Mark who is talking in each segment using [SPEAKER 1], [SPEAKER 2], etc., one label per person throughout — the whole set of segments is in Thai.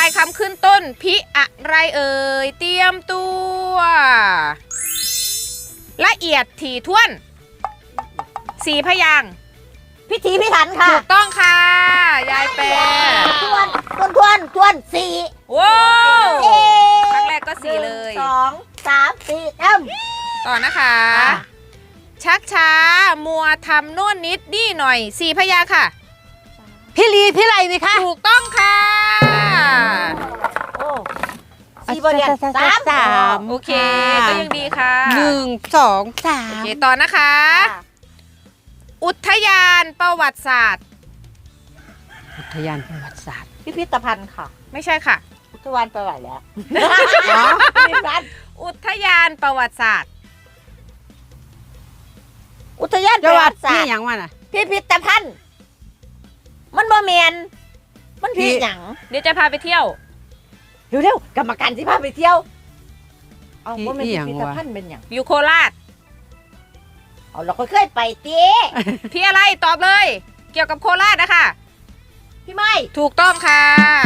[SPEAKER 1] ายคำขึ้นต้นพิอะไรเอ่ยเตรียมตัวละเอียดถี่ถ้วน4 พยางค์
[SPEAKER 2] พิถีพิถันค่ะ
[SPEAKER 1] ถูกต้องค่ะยายแปร
[SPEAKER 2] ทวนสี่
[SPEAKER 1] ว้าวครั้งแรกก็4เลย
[SPEAKER 2] 1 2 3 4
[SPEAKER 1] ต่อนะคะชักช้ามัวทำโน่นนิดนี่หน่อย4 พยางค์ค่ะ
[SPEAKER 3] พี่ลีพี่ไรไหมคะ
[SPEAKER 1] ถูกต้องค่ะ
[SPEAKER 2] โอ้4 บทเรียน3
[SPEAKER 1] โอเคก็ยังดีค่ะ
[SPEAKER 3] 1 2 3
[SPEAKER 1] โอเคต่อนะคะอุทยานประวัติศาสตร์
[SPEAKER 3] อุทยานประวัติศาสตร์
[SPEAKER 2] พิพิธภัณฑ์ค่ะ
[SPEAKER 1] ไม่ใช่ค่ะ
[SPEAKER 2] อุทยานไปไหวแล้ว
[SPEAKER 1] อุทยานประวัติศาสตร์
[SPEAKER 2] อุทยานประวัติศาสตร์
[SPEAKER 3] นี่อย่างว่าน่ะ
[SPEAKER 2] พิพิธภัณฑ์มันบ่แมนมันพี่หยัง
[SPEAKER 1] เดี๋ยวจะพาไปเที่ยว
[SPEAKER 2] เร็วกรรมการที่พาไปเที่ยวเอาว่ามันพิพิธภัณฑ์เป็นหยัง
[SPEAKER 1] อยู่โคราช
[SPEAKER 2] เอาเราเคยไปตี
[SPEAKER 1] พี่อะไรตอบเลยเกี่ยวกับโคราชนะคะ
[SPEAKER 2] พี่ไม่
[SPEAKER 1] ถูกต้องค่ะ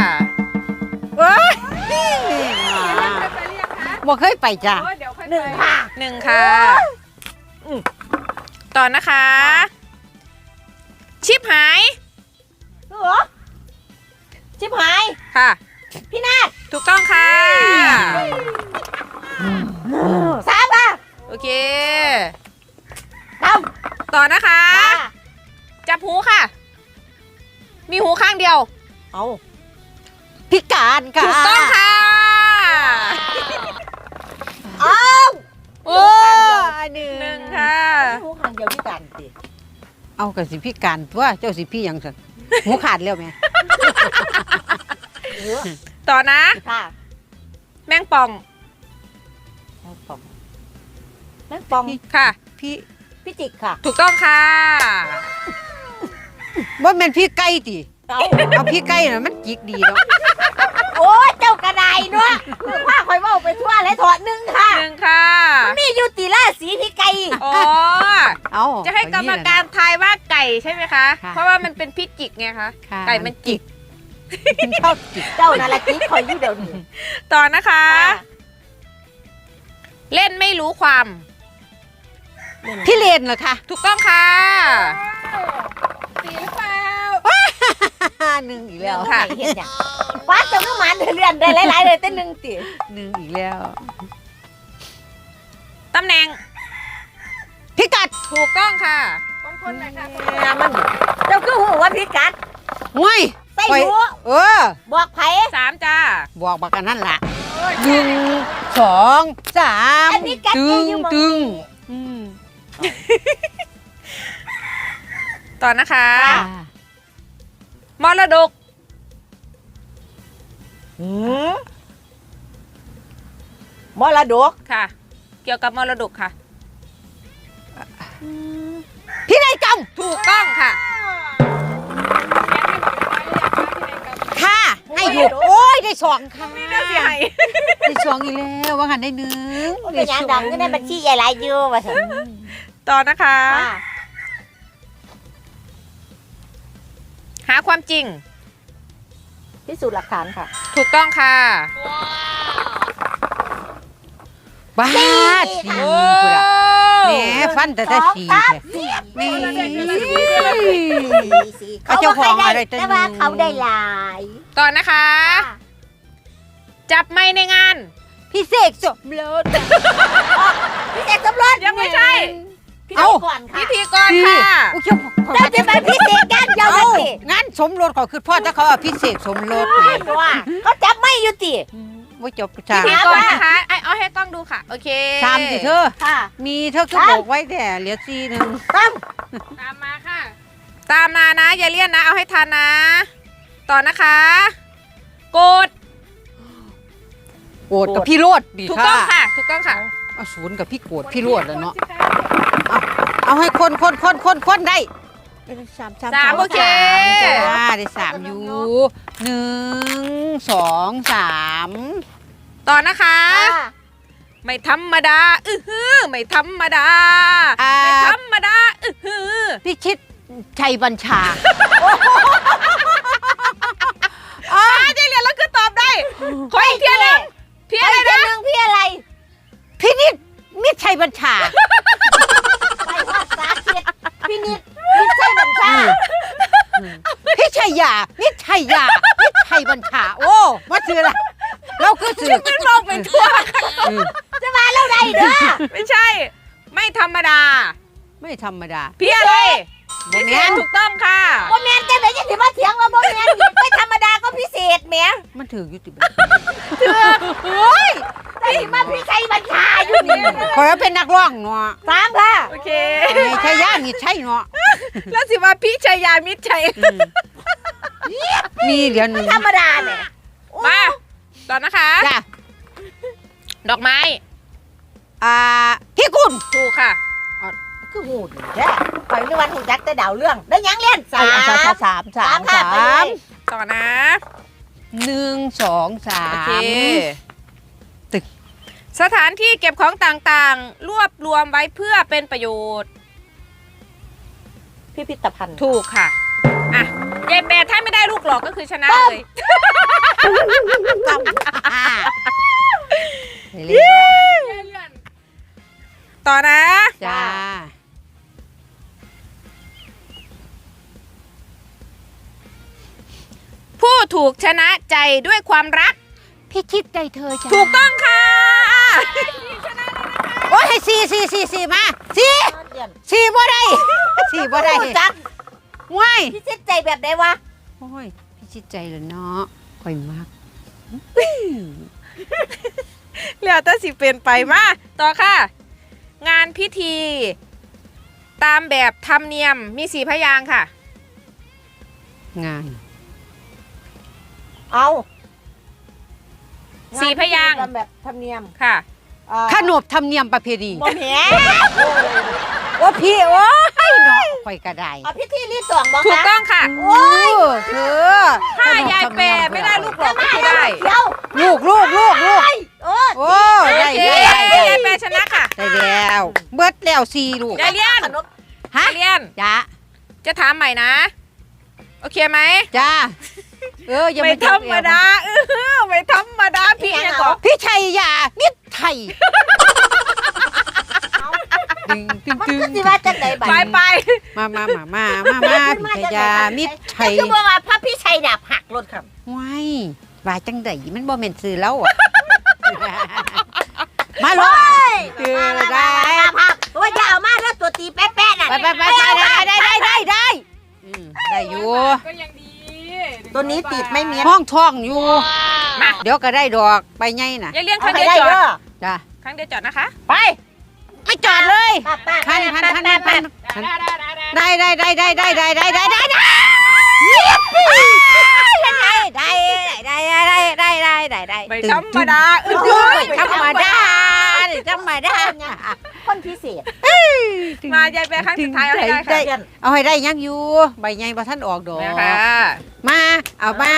[SPEAKER 3] บ่เคยไปจ้ะ
[SPEAKER 2] 1 ค่ะ
[SPEAKER 1] 1 ค่ะต่อนะคะชิบหาย
[SPEAKER 2] เหรอชิบหาย
[SPEAKER 1] ค่ะ
[SPEAKER 2] พี่นาฏ
[SPEAKER 1] ถูกต้องค่ะ
[SPEAKER 2] 3 ค่ะ
[SPEAKER 1] โอเคต่อนะคะจับหูค่ะมีหูข้างเดียว
[SPEAKER 2] เอา
[SPEAKER 3] พิการค่ะ
[SPEAKER 1] ถูกต้องค่ะ
[SPEAKER 3] โอ้
[SPEAKER 1] 1 ค่ะ
[SPEAKER 2] หูข้างเดียวพิการสิ
[SPEAKER 3] เอากับสิพิการตัวเจ้าสิพี่ยังสันหูขาดแล้วไหม
[SPEAKER 1] ต่อนะ
[SPEAKER 2] ค่ะ
[SPEAKER 1] แมงป่องค่ะ
[SPEAKER 2] พี่จิกค่ะ
[SPEAKER 1] ถูกต้องค่ะ
[SPEAKER 3] ว่ามันพี่ไก่ติเอาพี่ไก่น่ะมันจิกดีแล้ว
[SPEAKER 2] โอ้เจ้ากระไดเนาะผ้าคอยเว้าไปทั่วเลยถอด1 ค่ะ
[SPEAKER 1] 1 ค่ะ
[SPEAKER 2] มีอยู่ตีล่าสีพี่ไก่
[SPEAKER 1] อ๋อเอาจะให้กรรมการทายว่าไก่ใช่ไหมคะเพราะว่ามันเป็นพี่จิกไงคะไก่มันจิก
[SPEAKER 3] ชอบจิก
[SPEAKER 2] เจ้านาฬิกาคอยอยู่เดี๋ยวนี้
[SPEAKER 1] ต่อนะคะเล่นไม่รู้ความ
[SPEAKER 3] พี่เลนเหรอคะ
[SPEAKER 1] ถูกต้องค่ะสีเปล่า
[SPEAKER 3] 1 อีกแล้ว
[SPEAKER 1] ค่ะ
[SPEAKER 2] เห็นอย่างฟ้าจะไม่มันเลื่อนได้หลายๆเลยแต่1 ตี
[SPEAKER 3] 1 อีกแล้ว
[SPEAKER 1] ตำแหน่ง
[SPEAKER 3] พิกัด
[SPEAKER 1] ถูกต้องค่ะคนไหนค่ะ
[SPEAKER 2] มันเจ้าคือหูว่าพิกัด
[SPEAKER 3] ง่าย
[SPEAKER 2] ใส่หูบอกไผ่
[SPEAKER 1] 3 จ้า
[SPEAKER 3] บอกบักกันนั่นแหละ1 2 3ตึง
[SPEAKER 1] ต่อนะคะมรดก
[SPEAKER 2] มรดก
[SPEAKER 1] ค่ะเกี่ยวกับมรดกค่ะ
[SPEAKER 3] พินัยกรรม
[SPEAKER 1] ถูกต้องค่ะ
[SPEAKER 3] ให้อยู่โอ้ยได้2 ค่ะ
[SPEAKER 1] ไม่ได้สิให้
[SPEAKER 3] ได้2 อีกแล้วว่างันได้1
[SPEAKER 2] เป็นอย่างดังก็ได้บัญชีใหญ่หลายอยู่ว่าสิ
[SPEAKER 1] ต่อนะคะหาความจริง
[SPEAKER 2] พิสูจน์หลักฐานค่ะ
[SPEAKER 1] ถูกต้องค่ะ
[SPEAKER 3] บ้าสีแหมฟันแต่สีนี่เขาเจ้าของอะไร
[SPEAKER 2] แต่ว่าเขาได้หลาย
[SPEAKER 1] ต่อนะคะจับไม้ในงาน
[SPEAKER 3] พิเศษสมรส
[SPEAKER 2] พิเศษสมรส
[SPEAKER 1] ยังไม่ใช่
[SPEAKER 2] เอาก่อนค่ะ
[SPEAKER 1] พิธีกรค่ะ
[SPEAKER 2] เจ้าจะไปพิเศษกันยาวสิ
[SPEAKER 3] งานสมรสเขาคือพ่อถ้าเขาเอาพิเศษสมรส
[SPEAKER 2] ว่าเขาจับไม่อยู่ติ
[SPEAKER 3] ว่าจบ
[SPEAKER 1] พิธีกรนะคะเอาให้กล้องดูค่ะโอเค
[SPEAKER 3] 3 สิเธอมีเธอก็บอกไว้แต่เหลือ4 นึง
[SPEAKER 1] ตามมาค่ะตามนานะอย่าเลี่ยนนะเอาให้ทันนะต่อนะคะโกด
[SPEAKER 3] กับพี่โรดดีค่ะ
[SPEAKER 1] ถูกต้องค่ะถูกต้องค่ะ
[SPEAKER 3] เอา0 กับพี่โกดพี่โรดแล้วเนาะเอาให้คนได้
[SPEAKER 1] 3โอเค
[SPEAKER 3] ได้3อยู่1 2 3
[SPEAKER 1] ต่อนะคะไม่ธรรมดาไม่ธรรมดาไม่ธรรมดา
[SPEAKER 3] พี่ชิดชัยบัญชา
[SPEAKER 1] เจเรียนแล้วคือตอบได้
[SPEAKER 3] ชัยบัญชา
[SPEAKER 2] ไปฮอดสาธิตพินิจมิใช่บัญชา
[SPEAKER 3] พิชัยยาพิชัยยาพิชัยบัญชา โอ้มาซื้อละเราคือซื้อ
[SPEAKER 1] มันมองไปทั่ว
[SPEAKER 2] จะมาแล้วใดเด้อ
[SPEAKER 1] ไม่ใช่ ไม่ธรรมดา
[SPEAKER 3] ไม่ธรรมดา
[SPEAKER 1] พี่อะไร
[SPEAKER 3] บ่
[SPEAKER 1] พิ
[SPEAKER 3] แม่
[SPEAKER 1] เศษ
[SPEAKER 3] น
[SPEAKER 1] ถูกต้องค่ะ
[SPEAKER 2] บ่แม่นจังได๋ยังสิมาเถียงว่าบ่แม่นไม่ธรรมดาก็พิเศษแหม
[SPEAKER 3] มันถืออยู่ติบ
[SPEAKER 2] แต่สิมาพิชัยบัญชาอยู่นี่
[SPEAKER 3] ขอยเป็นนักร้องเนาะ
[SPEAKER 2] สามค่ะ
[SPEAKER 1] โอเค
[SPEAKER 3] ไม่ใช่ย่านี่ใช่เนาะ
[SPEAKER 1] แล้วสิว่าพี่ชัยยามิตรชัย
[SPEAKER 3] มีเดี๋ยวหนึง
[SPEAKER 2] ธรรมดาแหม
[SPEAKER 1] มาต่อนะคะ
[SPEAKER 3] จ้ะ
[SPEAKER 1] ดอกไม้
[SPEAKER 3] พี่กุล
[SPEAKER 1] ถูกค่ะ
[SPEAKER 2] คือหูดีแท้ข่อยนึกว่าหูจักแต่ดาวเรื่องได้หยังเล่นสาม
[SPEAKER 3] สาม
[SPEAKER 2] สามค่ะไปเลย
[SPEAKER 1] ต่อนะ
[SPEAKER 3] 1 2 3
[SPEAKER 1] โอเค สถานที่เก็บของต่างๆ รวบรวมไว้เพื่อเป็นประโยชน์
[SPEAKER 2] พิพิธภัณฑ์
[SPEAKER 1] ถูกค่ะ อ่ะยายแปรถ้าไม่ได้ลูกหลอกก็คือชนะเลย
[SPEAKER 3] เรียน
[SPEAKER 1] ต่อนะ
[SPEAKER 3] จ้า
[SPEAKER 1] ผู้ถูกชนะใจด้วยความรัก
[SPEAKER 3] พี่คิดใจเธอจ้า
[SPEAKER 1] ถูกต้องค่ะ
[SPEAKER 3] โอ้ยสี่มาสี่บ่ได้สี่บ่ได้
[SPEAKER 2] หูจัก
[SPEAKER 3] ว้าย
[SPEAKER 2] พิชิตใจแบบใดวะ
[SPEAKER 3] โอ้ยพี่คิดใจเลยเนาะค่อยมาก
[SPEAKER 1] เหลือแต่สิเป็นไปมาต่อค่ะ งานพิธี ตามแบบธรรมเนียมมี4พยางค์ค่ะ
[SPEAKER 3] งาน
[SPEAKER 2] เอา
[SPEAKER 1] สี่พยางค์
[SPEAKER 2] งนแบบธรรมเนียม
[SPEAKER 1] ค่ะ
[SPEAKER 3] ขนบธรรมเนียมประเพณี
[SPEAKER 2] บ่แม่
[SPEAKER 3] ว่าพี่โอ้ยเนาะค่อยกระได
[SPEAKER 2] เอาพิธีรีดสวงบ่
[SPEAKER 1] ถูก
[SPEAKER 2] คะ
[SPEAKER 1] ต้องค่ะ
[SPEAKER 3] โอ้ยเธอ
[SPEAKER 1] ถ้ายายแปรไม่ได้ลูกหลอกก็คือได้
[SPEAKER 2] เดี๋ยว
[SPEAKER 3] ลูก
[SPEAKER 2] โอ้
[SPEAKER 3] โอ้ได้
[SPEAKER 1] เย้
[SPEAKER 3] ได้
[SPEAKER 1] ยายแปรชนะค่ะ
[SPEAKER 3] ได้แล้วเบิดแล้วสี่ลูก
[SPEAKER 1] ยายเลียน
[SPEAKER 2] ขนม
[SPEAKER 3] ฮะ
[SPEAKER 1] ยายเลียน
[SPEAKER 3] จ้า
[SPEAKER 1] จะถามใหม่นะ โอเคไหม
[SPEAKER 3] จ้าอย่า
[SPEAKER 1] ไม่
[SPEAKER 3] มา
[SPEAKER 1] ธรรมดาไม่ธรรมดาพี่เนี่ยก่อน
[SPEAKER 3] พี่ชัยยามิตรไทยตึง
[SPEAKER 2] มันคือสิว่าจังไดบัด
[SPEAKER 1] ไปไป
[SPEAKER 3] มาพี่ชัยยามิตรไทย
[SPEAKER 2] คือบ่ว่าพระพี่ชัยดาบหักรถครับ
[SPEAKER 3] ว้ายว่าจังไดมันบ่แม่นซื้อแล้วอ่ะ มาลงคือได้
[SPEAKER 2] ภาพว่าอย่าเอามาแล้วตัวตีแป๊ะๆน่ะ
[SPEAKER 3] ไปได้ได้อยู่
[SPEAKER 1] ก็ยังดี
[SPEAKER 2] ตัวนี้ติดไม่เมียน
[SPEAKER 3] ห้องท่องอยู่
[SPEAKER 1] มา
[SPEAKER 3] เดี๋ยวก็ได้ดอกใบใหญ่น่ะ
[SPEAKER 1] ยายเลียนค
[SPEAKER 2] เอา
[SPEAKER 1] รั้ง
[SPEAKER 2] ไป
[SPEAKER 1] เดียว
[SPEAKER 2] ได้
[SPEAKER 1] จอ
[SPEAKER 2] เด้อ
[SPEAKER 1] ด
[SPEAKER 3] จ้ะ
[SPEAKER 1] ครั้งเดียวจอดนะคะ
[SPEAKER 2] ไป
[SPEAKER 3] ไม่จอดเลย
[SPEAKER 2] ป้า
[SPEAKER 3] พันได้
[SPEAKER 1] ไม่ธรรมดา
[SPEAKER 3] ธรรมดา
[SPEAKER 2] คนพิเศษ
[SPEAKER 1] มายายแปรครั้งสุดท้ายเอาให้ได้ค่ะ
[SPEAKER 3] เอาให้ได้ยังอยู่ใบใหญ่บ่ทันออกดอก
[SPEAKER 1] นะคะ
[SPEAKER 3] มาเอามา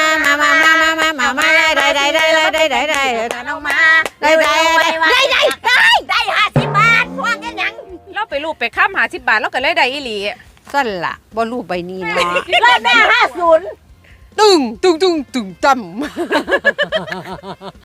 [SPEAKER 3] ได้
[SPEAKER 2] น้องมา
[SPEAKER 3] ได้
[SPEAKER 2] 50 บาทว่างกันยัง
[SPEAKER 1] เราไปรูปไปข้ามหา10 บาทแล้วก็เลยได้อีหลี
[SPEAKER 3] สั่นล่ะบ่รูปใบนี้เนาะ
[SPEAKER 2] รอบหน้า50
[SPEAKER 3] ตึงต่ำ